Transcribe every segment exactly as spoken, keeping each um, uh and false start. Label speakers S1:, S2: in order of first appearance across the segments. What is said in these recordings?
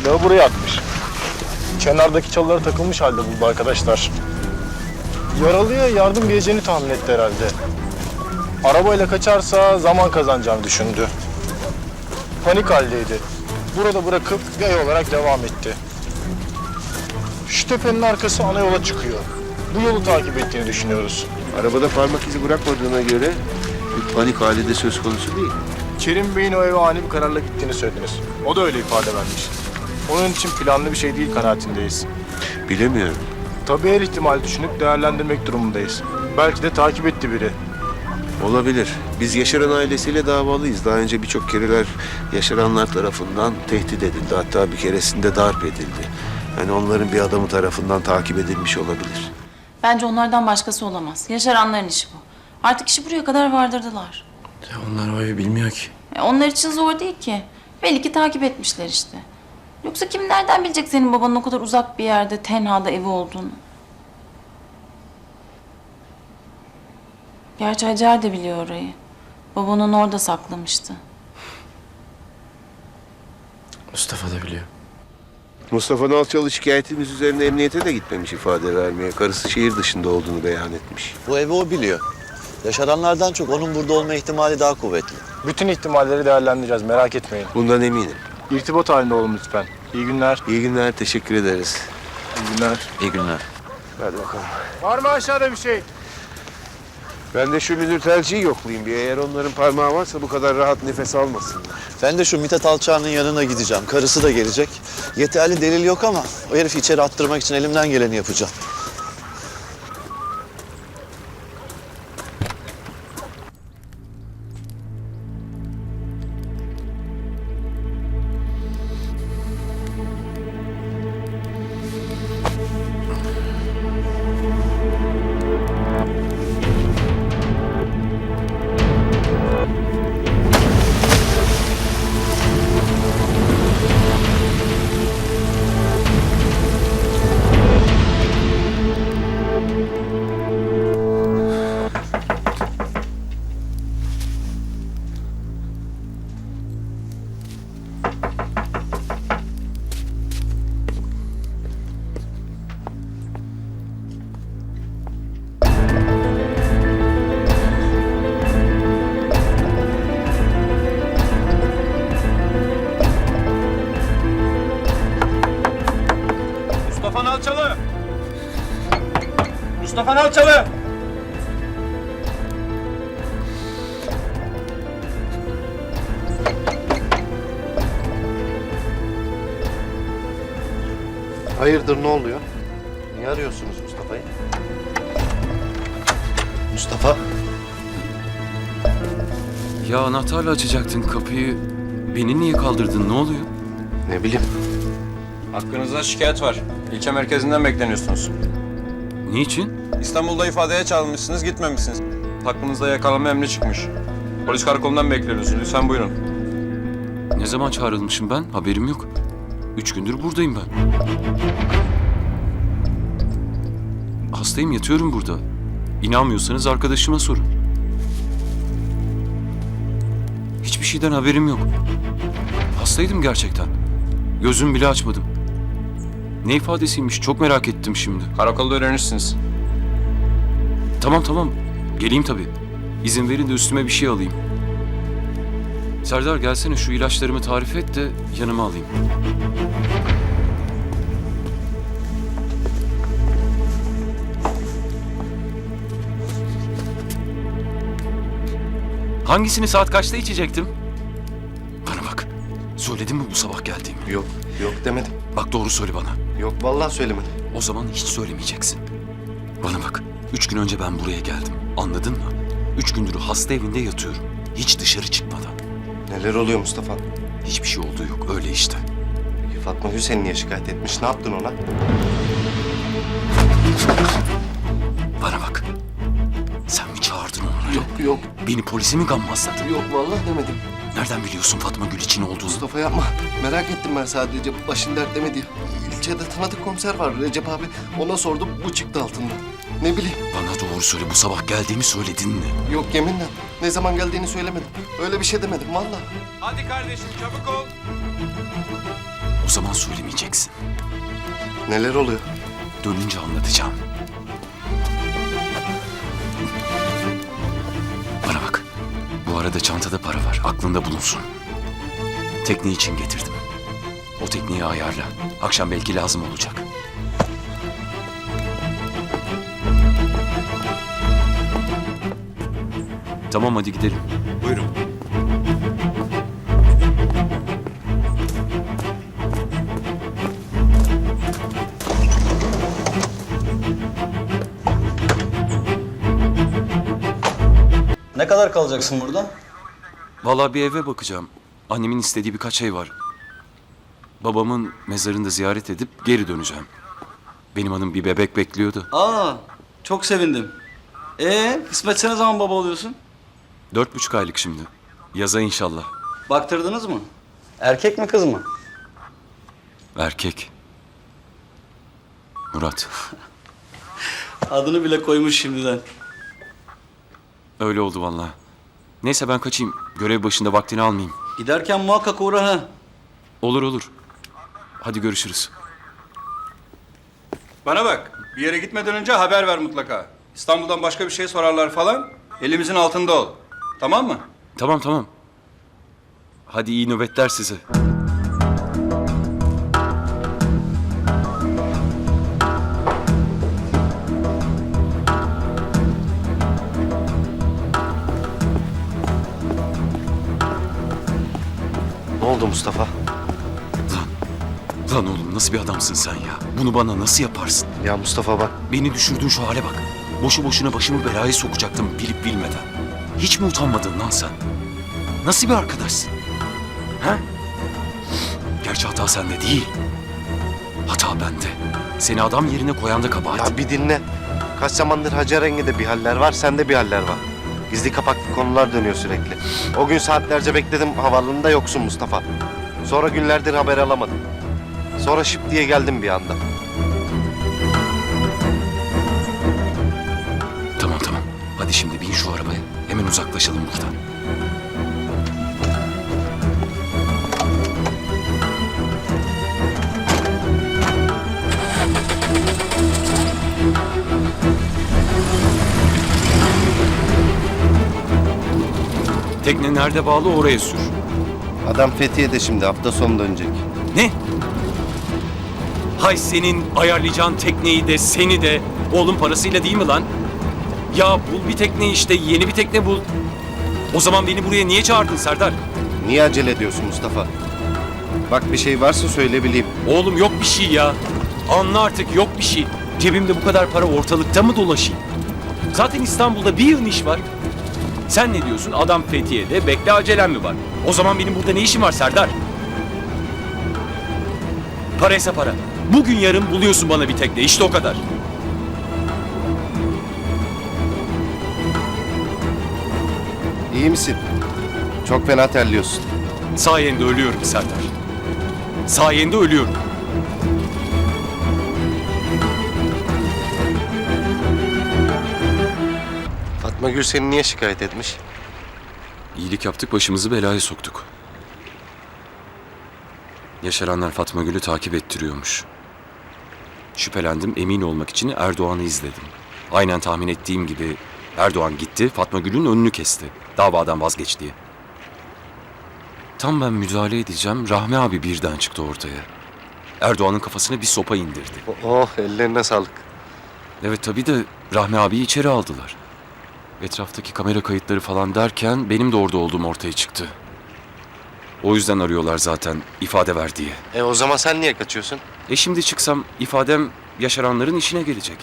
S1: Silahı buraya atmış. Kenardaki çalılara takılmış halde buldu arkadaşlar. Yaralıya yardım geleceğini tahmin etti herhalde. Arabayla kaçarsa zaman kazanacağını düşündü. Panik haldeydi. Burada bırakıp yay olarak devam etti. Şu tepenin arkası ana yola çıkıyor. Bu yolu takip ettiğini düşünüyoruz.
S2: Arabada parmak izi bırakmadığına göre bir panik hali de söz konusu değil.
S1: Kerim Bey'in o eve ani bir kararla gittiğini söylediniz. O da öyle ifade vermiş. Onun için planlı bir şey değil kanaatindeyiz.
S2: Bilemiyorum.
S1: Tabii her ihtimali düşünüp değerlendirmek durumundayız. Belki de takip etti biri.
S2: Olabilir. Biz Yaşar'ın ailesiyle davalıyız. Daha önce birçok kereler Yaşaranlar tarafından tehdit edildi. Hatta bir keresinde darp edildi. Yani onların bir adamı tarafından takip edilmiş olabilir.
S3: Bence onlardan başkası olamaz. Yaşaranların işi bu. Artık işi buraya kadar vardırdılar.
S4: Ya onlar o evi bilmiyor ki.
S3: E onlar için zor değil ki. Belli ki takip etmişler işte. Yoksa kim nereden bilecek senin babanın o kadar uzak bir yerde, tenhada evi olduğunu? Gerçi Hacer de biliyor orayı. Baban onu orada saklamıştı.
S4: Mustafa da biliyor.
S2: Mustafa Nalçalı şikayetimiz üzerine emniyete de gitmemiş ifade vermeye. Karısı şehir dışında olduğunu beyan etmiş.
S5: Bu evi o biliyor. Yaşaranlardan çok onun burada olma ihtimali daha kuvvetli.
S1: Bütün ihtimalleri değerlendireceğiz, merak etmeyin.
S2: Bundan eminim.
S1: İrtibat halinde olun lütfen. İyi günler.
S2: İyi günler, teşekkür ederiz.
S1: İyi günler.
S4: İyi günler.
S2: Hadi bakalım.
S1: Var mı aşağıda bir şey?
S2: Ben de şu müdür tercihi yoklayayım bir. Eğer onların parmağı varsa bu kadar rahat nefes almasınlar.
S5: Ben de şu Mithat Alçağ'ın yanına gideceğim. Karısı da gelecek. Yeterli delil yok ama o herifi içeri attırmak için elimden geleni yapacağım.
S1: Mustafa Nalçalı! Mustafa Nalçalı!
S6: Hayırdır, ne oluyor? Niye arıyorsunuz Mustafa'yı? Mustafa?
S4: Ya anahtarla açacaktın kapıyı. Beni niye kaldırdın? Ne oluyor?
S6: Ne bileyim.
S7: Hakkınızda şikayet var. İlçe merkezinden bekleniyorsunuz.
S4: Niçin?
S7: İstanbul'da ifadeye çağrılmışsınız, gitmemişsiniz. Hakkınızda yakalama emri çıkmış. Polis karakolundan bekleniyorsunuz. Lütfen buyurun.
S4: Ne zaman çağrılmışım ben? Haberim yok. Üç gündür buradayım ben. Hastayım, yatıyorum burada. İnanmıyorsanız arkadaşıma sorun. Hiçbir şeyden haberim yok. Hastaydım gerçekten. Gözüm bile açmadım. Ne ifadesiymiş çok merak ettim şimdi.
S7: Karakolda öğrenirsiniz.
S4: Tamam tamam. Geleyim tabii. İzin verin de üstüme bir şey alayım. Serdar gelsene şu ilaçlarımı tarif et de yanıma alayım. Hangisini saat kaçta içecektim? Bana bak. Söyledin mi bu sabah geldiğimi?
S6: Yok, yok demedim.
S4: Bak doğru söyle bana.
S6: Yok, vallahi söylemedim.
S4: O zaman hiç söylemeyeceksin. Bana bak. Üç gün önce ben buraya geldim. Anladın mı? Üç gündür hasta evinde yatıyorum. Hiç dışarı çıkmadan.
S6: Neler oluyor Mustafa?
S4: Hiçbir şey olduğu yok. Öyle işte.
S6: Peki Fatma Hüseyin niye şikayet etmiş? Ne yaptın ona?
S4: Bana bak. Sen mi çağırdın onları?
S6: Yok, yok,
S4: Beni polise mi gammazladın?
S6: yok vallahi demedim.
S4: Nereden biliyorsun Fatma Gül için olduğunu?
S6: Mustafa yapma. Merak ettim ben sadece. Başın dertlemedi. İlçede tanıdık komiser var Recep abi. Ona sordum, bu çıktı altından. Ne bileyim.
S4: Bana doğru söyle. Bu sabah geldiğimi söyledin mi?
S6: Yok yeminle. Ne zaman geldiğini söylemedim. Öyle bir şey demedim vallahi.
S7: Hadi kardeşim çabuk ol.
S4: O zaman söylemeyeceksin.
S6: Neler oluyor?
S4: Dönünce anlatacağım. Bana bak. Bu arada çantada para var. Aklında bulunsun. Tekne için getirdim. O tekneyi ayarla. Akşam belki lazım olacak. Tamam, hadi gidelim.
S2: Buyurun.
S8: Ne kadar kalacaksın burada?
S4: Vallahi bir eve bakacağım. Annemin istediği birkaç şey var. Babamın mezarını da ziyaret edip geri döneceğim. Benim hanım bir bebek bekliyordu.
S8: Aa, çok sevindim. Ee, kısmetse ne zaman baba oluyorsun?
S4: Dört buçuk aylık şimdi. Yaza inşallah.
S8: Baktırdınız mı? Erkek mi kız mı?
S4: Erkek. Murat.
S8: Adını bile koymuş şimdiden.
S4: Öyle oldu vallahi. Neyse ben kaçayım. Görev başında vaktini almayayım.
S8: Giderken muhakkak uğra ha.
S4: Olur olur. Hadi görüşürüz.
S7: Bana bak, bir yere gitmeden önce haber ver mutlaka. İstanbul'dan başka bir şey sorarlar falan, elimizin altında ol. Tamam mı?
S4: Tamam tamam. Hadi iyi nöbetler size.
S6: Ne oldu Mustafa?
S4: Lan oğlum nasıl bir adamsın sen ya? Bunu bana nasıl yaparsın?
S6: Ya Mustafa bak.
S4: Beni düşürdüğün şu hale bak. Boşu boşuna başımı belaya sokacaktım bilip bilmeden. Hiç mi utanmadın lan sen? Nasıl bir arkadaşsın? Ha? Gerçi hata sende değil. Hata bende. Seni adam yerine koyan da kabahat.
S6: Ya bir dinle. Kaç zamandır Hacer Engin'de bir haller var, sende bir haller var. Gizli kapaklı konular dönüyor sürekli. O gün saatlerce bekledim, havaalanında yoksun Mustafa. Sonra günlerdir haber alamadım. Sonra şıp diye geldim bir anda.
S4: Tamam tamam. Hadi şimdi bin şu arabaya. Hemen uzaklaşalım buradan. Tekne nerede bağlı oraya sür.
S6: Adam Fethiye'de şimdi, hafta sonu dönecek.
S4: Ne? Hay senin ayarlayacağın tekneyi de seni de oğlum parasıyla değil mi lan? Ya bul bir tekne işte, yeni bir tekne bul. O zaman beni buraya niye çağırdın Serdar?
S6: Niye acele ediyorsun Mustafa? Bak bir şey varsa söyle bileyim.
S4: Oğlum yok bir şey ya. Anla artık, yok bir şey. Cebimde bu kadar para ortalıkta mı dolaşayım? Zaten İstanbul'da bir yığın iş var. Sen ne diyorsun? Adam Fethiye'de, bekle acelem mi var? O zaman benim burada ne işim var Serdar? Paraysa para. Bugün yarın buluyorsun bana bir tekne, işte o kadar.
S6: İyi misin? Çok fena terliyorsun.
S4: Sayende ölüyorum Serdar. Sayende ölüyorum.
S6: Fatma Gül seni niye şikayet etmiş?
S4: İyilik yaptık, başımızı belaya soktuk. Yaşaranlar Fatma Gül'ü takip ettiriyormuş. Şüphelendim, emin olmak için Erdoğan'ı izledim. Aynen tahmin ettiğim gibi Erdoğan gitti, Fatma Gül'ün önünü kesti. Davadan vazgeç diye. Tam ben müdahale edeceğim, Rahmi abi birden çıktı ortaya. Erdoğan'ın kafasına bir sopa indirdi.
S6: Oh, ellerine sağlık.
S4: Evet tabii de Rahmi abiyi içeri aldılar. Etraftaki kamera kayıtları falan derken benim de orada olduğum ortaya çıktı. O yüzden arıyorlar zaten ifade ver diye.
S6: E o zaman sen niye kaçıyorsun?
S4: E şimdi çıksam ifadem yaşaranların işine gelecek.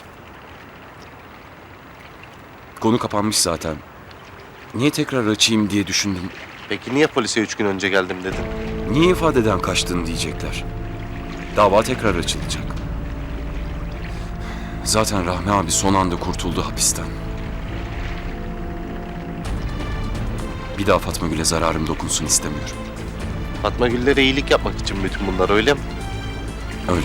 S4: Konu kapanmış zaten. Niye tekrar açayım diye düşündüm.
S6: Peki niye polise üç gün önce geldim dedin?
S4: Niye ifadeden kaçtın diyecekler. Dava tekrar açılacak. Zaten Rahmi abi son anda kurtuldu hapisten. Bir daha Fatma Gül'e zararım dokunsun istemiyorum.
S6: Fatma Gül'lere iyilik yapmak için bütün bunlar öyle mi?
S4: Öyle.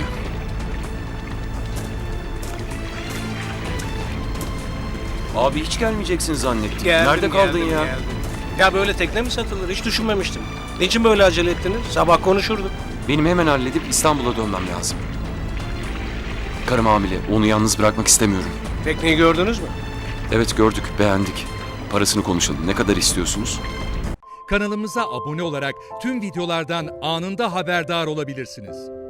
S4: Abi hiç gelmeyeceksin zannettim.
S9: Geldim,
S4: Nerede kaldın
S9: geldim,
S4: ya?
S9: geldim. Ya böyle tekne mi satılır? Hiç düşünmemiştim. Niçin böyle acele ettiniz? Sabah konuşurduk.
S4: Benim hemen halledip İstanbul'a dönmem lazım. Karım hamile. Onu yalnız bırakmak istemiyorum.
S9: Tekneyi gördünüz mü?
S4: Evet gördük, beğendik. Parasını konuşalım. Ne kadar istiyorsunuz?
S10: Kanalımıza abone olarak tüm videolardan anında haberdar olabilirsiniz.